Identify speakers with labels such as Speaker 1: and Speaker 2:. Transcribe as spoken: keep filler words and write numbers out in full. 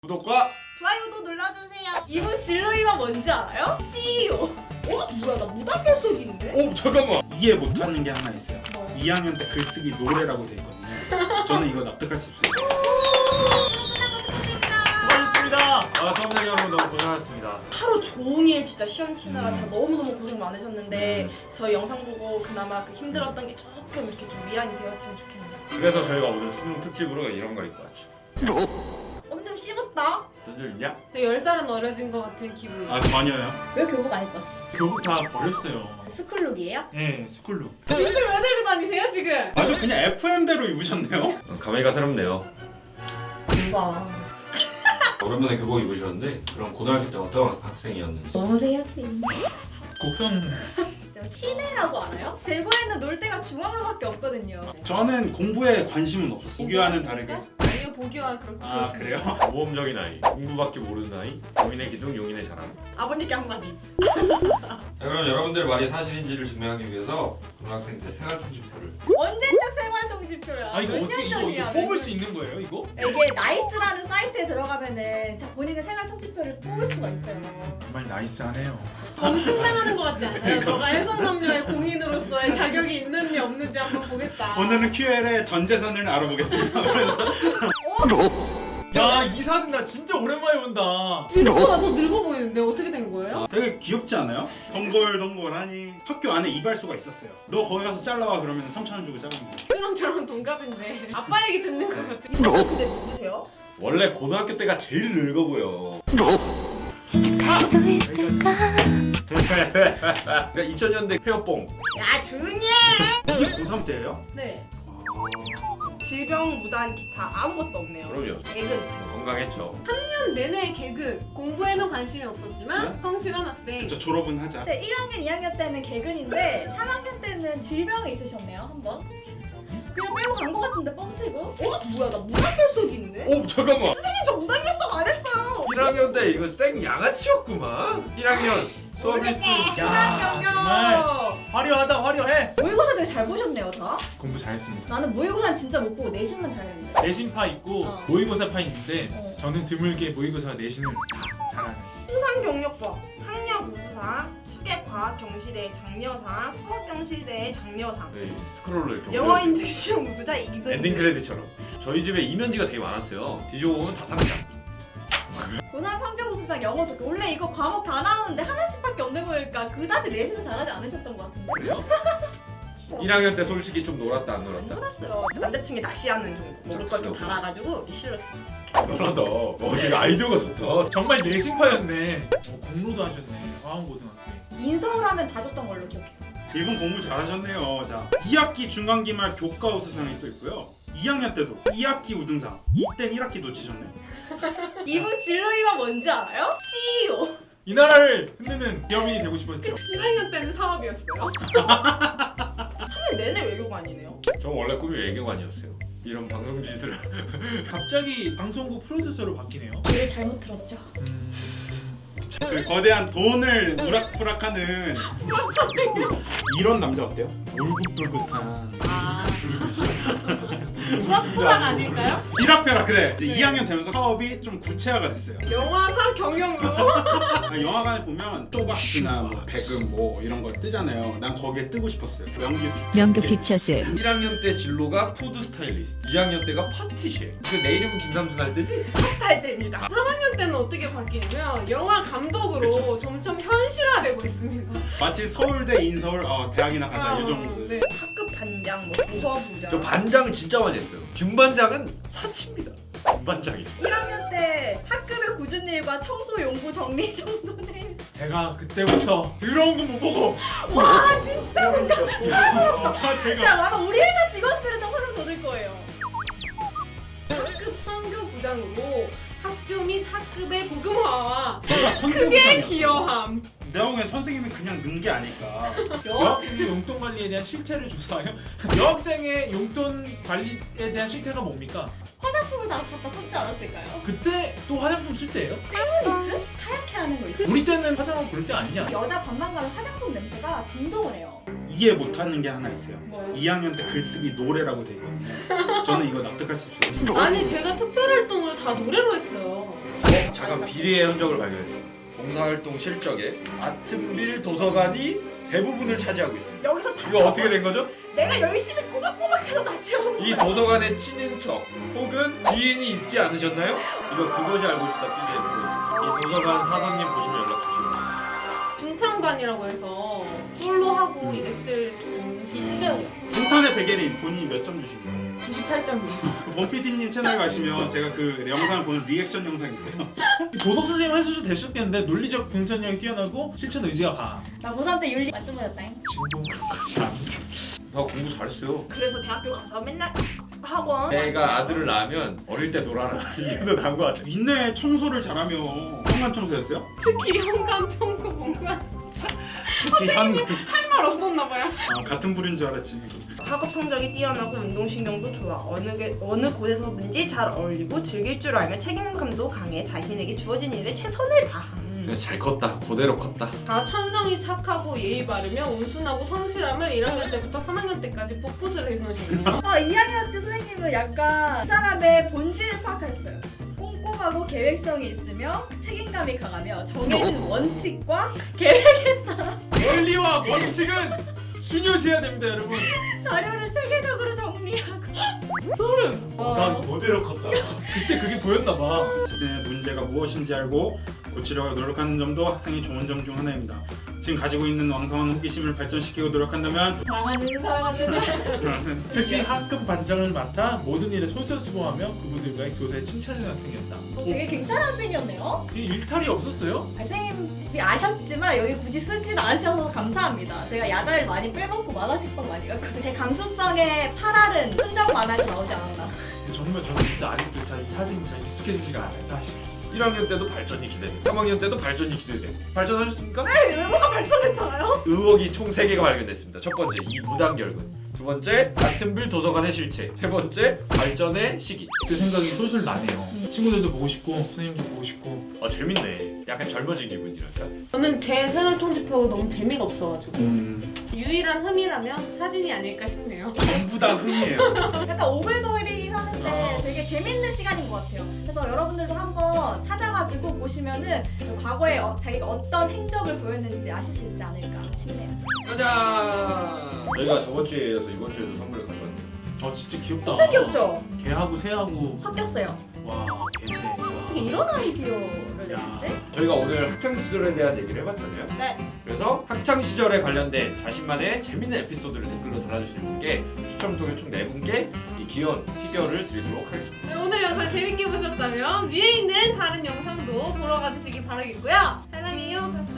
Speaker 1: 구독과
Speaker 2: 좋아요도 눌러주세요.
Speaker 3: 이분 진로이가 뭔지 알아요? 씨이오.
Speaker 2: 어? 뭐야 나 무단결 속인데?
Speaker 1: 오 잠깐만 이해 못하는 게 하나 있어요.
Speaker 3: 뭐?
Speaker 1: 이 학년 때 글쓰기 노래라고 돼 있거든요. 저는 이거 납득할 수 없어요.
Speaker 4: 수고하셨습니다.
Speaker 1: 아 수험생 여러분 너무 고생하셨습니다.
Speaker 2: 하루 종일 진짜 시험 치느라
Speaker 1: 음.
Speaker 2: 진짜 너무너무 고생 많으셨는데 저희 영상 보고 그나마 그 힘들었던 게 조금 이렇게 좀 위안이 되었으면 좋겠네요.
Speaker 5: 그래서 저희가 오늘 수능 특집으로 이런 걸 입고 왔죠.
Speaker 2: 엄청 씹었다.
Speaker 5: 던져 있냐?
Speaker 6: 되게 열 살은 어려진 것 같은 기분.
Speaker 1: 아 전혀요.
Speaker 3: 왜 교복 안 입었어?
Speaker 4: 교복 다 버렸어요.
Speaker 3: 스쿨룩이에요?
Speaker 4: 네, 스쿨룩.
Speaker 6: 옷을 왜 들고 다니세요 지금?
Speaker 1: 아주 그냥 에프엠대로 입으셨네요.
Speaker 5: 감회가 새롭네요.
Speaker 2: 와.
Speaker 5: 오랜만에 교복 입으셨는데 그럼 고등학교 때 어떤 학생이었는지.
Speaker 3: 넘어세야지.
Speaker 4: 곡성
Speaker 3: 티네라고 알아요? 대구에는 놀 데가 중앙로밖에 없거든요.
Speaker 1: 저는 공부에 관심은 없었어요. 보기와는 다르게.
Speaker 6: 아니요 보기와 그렇게
Speaker 1: 아
Speaker 6: 그렇습니다.
Speaker 1: 그래요?
Speaker 5: 모험적인 아이, 공부밖에 모르는 아이, 용인의 기둥, 용인의 자랑.
Speaker 2: 아버님께 한마디.
Speaker 5: 자, 그럼 여러분들 말이 사실인지를 증명하기 위해서 고등학생 때 생활통지표를
Speaker 3: 언제적 생활통지표야?
Speaker 4: 아 이거
Speaker 3: 몇
Speaker 4: 어떻게
Speaker 3: 년
Speaker 4: 이거,
Speaker 3: 전이야,
Speaker 4: 이거
Speaker 3: 몇
Speaker 4: 뽑을
Speaker 3: 년.
Speaker 4: 수 있는 거예요 이거?
Speaker 3: 이게 나이스라는 사이트에 들어가면은 자 본인의 생활통지표를 뽑을 수가 있어요.
Speaker 4: 정말 나이스하네요.
Speaker 6: 검증당하는 것 같지 않아요? 너가 해성남녀의 공인으로서의 자격이 있는지 없는지 한번 보겠다.
Speaker 1: 오늘은 큐엘의 전 재산을 알아보겠습니다. 그래서
Speaker 4: 야 이 사진 나 진짜 오랜만에 본다.
Speaker 6: 진짜가 더 늙어 보이는데 어떻게 된 거예요?
Speaker 1: 되게 귀엽지 않아요? 덩글덩글하니 학교 안에 이발소가 있었어요. 너 거기 가서 잘라와 그러면 삼천 원 주고 자르는 거예요.
Speaker 6: 그랑 저랑 동갑인데 아빠 얘기 듣는 것 같아.
Speaker 2: 이분 근데 누구세요?
Speaker 5: 원래 고등학교 때가 제일 늙어 보여.
Speaker 7: 갈 수 있을까?
Speaker 5: 그러니까 이천 년대 페어뽕.
Speaker 2: 야 조용히 해.
Speaker 1: 이게 고삼 때예요?
Speaker 3: 네.
Speaker 2: 질병, 무단, 기타 아무것도 없네요.
Speaker 5: 그럼요.
Speaker 2: 개근.
Speaker 5: 뭐 건강했죠.
Speaker 6: 삼 년 내내 개그, 공부에는 관심이 없었지만
Speaker 1: 네?
Speaker 6: 성실한 학생.
Speaker 1: 저 졸업은 하자.
Speaker 3: 네, 일 학년, 이 학년 때는 개근인데 삼 학년 때는 질병이 있으셨네요 한 번. 그냥 빼고 간 것 같은데 뻥치고.
Speaker 2: 어? 뭐야 나 무단결 속인데?
Speaker 5: 오 잠깐만.
Speaker 2: 선생님 저 무단결 속안 했어요.
Speaker 5: 일 학년 때 이거 생 양아치였구만. 일 학년 수업 일수.
Speaker 4: 야 정말 화려하다 화려해.
Speaker 3: 모의고사 되게 잘 보셨네요 다.
Speaker 4: 공부 잘했습니다.
Speaker 3: 나는 모의고사는 진짜 못 보고 내신만 잘했는데.
Speaker 4: 내신파 있고
Speaker 3: 어.
Speaker 4: 모의고사파 있는데
Speaker 3: 어.
Speaker 4: 저는 드물게 모의고사 내신을 다 잘하는.
Speaker 2: 수상 경력법, 학력 우수상, 추계 과학 경시대 장려상, 수학 경시대 장려상.
Speaker 5: 네, 스크롤로 이렇게
Speaker 2: 영어
Speaker 5: 올려-
Speaker 2: 인증 시험 우수자 이 등.
Speaker 5: 엔딩 크레딧처럼. 저희 집에 이면지가 되게 많았어요. 뒤져보면 다 상장.
Speaker 3: 고삼 성적우수상 영어도 원래 이거 과목 다 나오는데 하나씩밖에 없는 거니까 그다지 내신은 잘하지 않으셨던 것 같은데.
Speaker 5: 그래요? 일 학년 때 솔직히 좀 놀았다 안
Speaker 2: 안
Speaker 5: 놀았다?
Speaker 2: 놀았어요. 남자친구 낚시하는 정도. 먹을 걸 좀 달아가지고 싫었어.
Speaker 5: 놀았다. 어, 이거 아이디어가 좋다.
Speaker 4: 정말 내신파였네. 어, 공로도 하셨네. 화원고등학교에.
Speaker 3: 인서울 하면 다 줬던 걸로 기억해요.
Speaker 1: 이분 공부 잘하셨네요. 자, 이 학기 중간기말 교과 우수상이 또 있고요. 이 학년 때도 이 학기 우등상, 이땐 일 학기 놓치셨네.
Speaker 3: 이분 진로이가 뭔지 알아요? 씨이오.
Speaker 4: 이 나라를 흔드는 기업인이 되고 싶었죠.
Speaker 6: 일 학년 때는 사업이었어요.
Speaker 2: 삼 년 내내 외교관이네요.
Speaker 5: 저 원래 꿈이 외교관이었어요. 이런 방송 짓을.
Speaker 4: 갑자기 방송국 프로듀서로 바뀌네요.
Speaker 3: 얘를 잘못 들었죠.
Speaker 4: 음...
Speaker 1: 그 거대한 돈을 우락부락하는 이런 남자 어때요? 울긋불긋한
Speaker 2: 아.
Speaker 6: 우락부락 아닐까요?
Speaker 1: 비락벼락 그래. 이제 이 학년 되면서 사업이 좀 구체화가 됐어요.
Speaker 6: 영화사 경영으로.
Speaker 1: 아, 영화관에 보면 쪼박이나 뭐 배금 뭐 이런 거 뜨잖아요. 난 거기에 뜨고 싶었어요. 명규
Speaker 7: 명교 픽처스
Speaker 5: 일 학년 때 진로가 푸드 스타일리스트, 이 학년 때가 파티셰. 그 내 이름은 김삼순 할 때지?
Speaker 2: 스타일 때입니다.
Speaker 6: 삼 학년 때는 어떻게 바뀌냐면 영화 감독으로
Speaker 1: 그쵸.
Speaker 6: 점점 현실화되고 있습니다.
Speaker 1: 마치 서울대 인서울 어, 대학이나 가자
Speaker 6: 아,
Speaker 1: 이 정도.
Speaker 6: 네.
Speaker 2: 학급 반장, 뭐 부서부장.
Speaker 5: 저 반장을 진짜 많이 했어요. 김반장은 사치입니다. 김반장이.
Speaker 3: 일 학년 때 학급의 굳은 일과 청소 용구 정리 정도 내일.
Speaker 4: 제가 그때부터 더러운 거 못 보고
Speaker 3: 와 진짜
Speaker 4: 진짜 제가
Speaker 3: 야 아마 우리 회사 직원들은 다 소름 돋을 거예요.
Speaker 6: 학급 선교 부장으로 학교 및 학급의 복음화와
Speaker 1: 내가
Speaker 6: 크게
Speaker 1: 선교부장이었어.
Speaker 6: 기여함.
Speaker 1: 내가 보기엔 선생님이 그냥 는 게 아닐까.
Speaker 4: 여학생의 용돈 관리에 대한 실태를 조사하여 여학생의 용돈 관리에 대한 실태가 뭡니까?
Speaker 3: 화장품을 다 갖다 썼지 않았을까요?
Speaker 4: 그때 또 화장품 쓸 때예요?
Speaker 3: 페미니스트? 하얗게 하는 거 있어.
Speaker 4: 우리 때는 화장품 그럴 때 아니냐?
Speaker 3: 여자 반만 가면 화장품 냄새가 진동을 해요.
Speaker 1: 이해 못하는 게 하나 있어요.
Speaker 3: 뭐요?
Speaker 1: 이 학년 때 글쓰기 노래라고 돼 있거든요. 저는 이거 납득할 수 없어요.
Speaker 6: 아니 제가 특별활동을 다 노래로 했어요.
Speaker 5: 잠깐 비리의 흔적을 발견했습니다. 봉사활동 실적에 아튼빌 도서관이 대부분을 차지하고 있습니다.
Speaker 2: 여기서 다
Speaker 5: 이거
Speaker 2: 채워.
Speaker 5: 어떻게 된 거죠?
Speaker 2: 내가 열심히 꼬박꼬박해서 다 채워.
Speaker 5: 이 도서관의 친인척 혹은 지인이 있지 않으셨나요? 이거 그것이 알고 싶다 피디에 들어주세요. 이 도서관 사서님 보시면 연락 주시고.
Speaker 6: 중창반이라고 해서 솔로하고 이랬을 당시 시절이요.
Speaker 1: 인터넷 백예린 본인이 몇 점 주시나요?
Speaker 6: 구십팔 점이요.
Speaker 1: 그 범피디님 채널 가시면 제가 그 영상을 보는 리액션 영상 있어요.
Speaker 4: 도덕 선생님 해수도 되셨겠는데 논리적 분석력이 뛰어나고 실천 의지가 강한.
Speaker 3: 나 고삼 때 윤리 만점 맞았다잉.
Speaker 4: 지금 그렇지 않은데.
Speaker 5: 나 공부 잘했어요.
Speaker 2: 그래서 대학교 가서 맨날 학원.
Speaker 5: 내가 아들을 낳으면 어릴 때 놀아라. 이게 더 나은 것 같아.
Speaker 1: 윗내 청소를 잘하며 현관 청소였어요?
Speaker 6: 특히 현관 청소 공간
Speaker 1: 특히 한
Speaker 6: 할 말 없었나 봐요.
Speaker 1: 아, 같은 부류인 줄 알았지.
Speaker 2: 학업 성적이 뛰어나고 운동신경도 좋아. 어느 게, 어느 곳에서든지 잘 어울리고 즐길 줄 알며 책임감도 강해. 자신에게 주어진 일에 최선을 다함.
Speaker 5: 그냥 잘 컸다. 그대로 컸다.
Speaker 6: 다 천성이 착하고 예의 바르며 온순하고 성실함을 일 학년 때부터 삼 학년 때까지 풋풋을 해놓으시네요.
Speaker 3: 어, 이 학년 때 선생님은 약간 이 사람의 본질을 파악하셨어요. 꼼꼼하고 계획성이 있으며 책임감이 강하며 정해진 원칙과
Speaker 4: 원리와 원칙은 중요시해야 됩니다, 여러분.
Speaker 3: 자료를 체계적으로 정리하고 소름.
Speaker 5: 난 그대로 컸다.
Speaker 4: 그때 그게 보였나 봐.
Speaker 1: 자신의 문제가 무엇인지 알고 고치려고 노력하는 점도 학생의 좋은 점 중 하나입니다. 지금 가지고 있는 왕성한 호기심을 발전시키고 노력한다면
Speaker 3: 사랑하는 사랑하는
Speaker 4: 특히 학급 반장을 맡아 모든 일에 솔선수범하며 그분들과의 교사에 칭찬을 하는 학생이었다.
Speaker 3: 어, 되게 괜찮은 학생이었네요.
Speaker 4: 이 일탈이 없었어요?
Speaker 3: 아, 선생님이 아셨지만 여기 굳이 쓰진 않으셔서 감사합니다. 제가 야자를 많이 빼먹고 만화책방 많이 갔거든요. 제 감수성의 팔알은 순정 만화에 나오지 않았나.
Speaker 4: 근데 정말 저는 진짜 아직도 잘 사진이 잘 익숙해지지가 않아요, 사실.
Speaker 5: 일 학년 때도 발전이 기대되고 삼 학년 때도 발전이 기대되고. 발전하셨습니까?
Speaker 2: 외모가 발전했잖아요.
Speaker 5: 의혹이 총 세 개가 발견됐습니다. 첫 번째, 이 무단결근. 두 번째, 아튼빌 도서관의 실체. 세 번째, 발전의 시기.
Speaker 4: 그 생각이 솔솔 나네요. 친구들도 보고 싶고 선생님도 보고 싶고.
Speaker 5: 아 재밌네. 약간 젊어진 기분이랄까.
Speaker 6: 저는 제 생활 통지표가 너무 재미가 없어가지고
Speaker 1: 음,
Speaker 6: 유일한 흠이라면 사진이 아닐까 싶네요.
Speaker 1: 전부 다 흠이에요.
Speaker 3: 약간 오글거리긴 하는데
Speaker 1: 아.
Speaker 3: 되게 재밌는 시간인 것 같아요. 그래서 여러분들도 한번 찾아가지고 보시면은 과거에 어, 자기가 어떤 행적을 보였는지 아실 수 있지 않을까 싶네요.
Speaker 5: 짜잔! 저희가 저번 주에 이어서 이번 주에도 선물을 가져왔네요.
Speaker 4: 아 진짜 귀엽다.
Speaker 3: 진짜 귀엽죠?
Speaker 4: 개하고 새하고.
Speaker 3: 섞였어요.
Speaker 4: 와 개새.
Speaker 3: 어떻게 이런 아이디어를
Speaker 4: 야.
Speaker 3: 냈지?
Speaker 5: 저희가 오늘 학창 시절에 대한 얘기를 해봤잖아요.
Speaker 2: 네.
Speaker 5: 그래서 학창 시절에 관련된 자신만의 재밌는 에피소드를 댓글로 달아주시는 분께 추첨을 통해 총 네 분께 이 귀여운 피규어를 드리도록 하겠습니다.
Speaker 6: 네, 오늘 영상 재밌게 보셨다면 위에 있는 다른 영상도 보러 가주시기 바라겠고요. 사랑해요.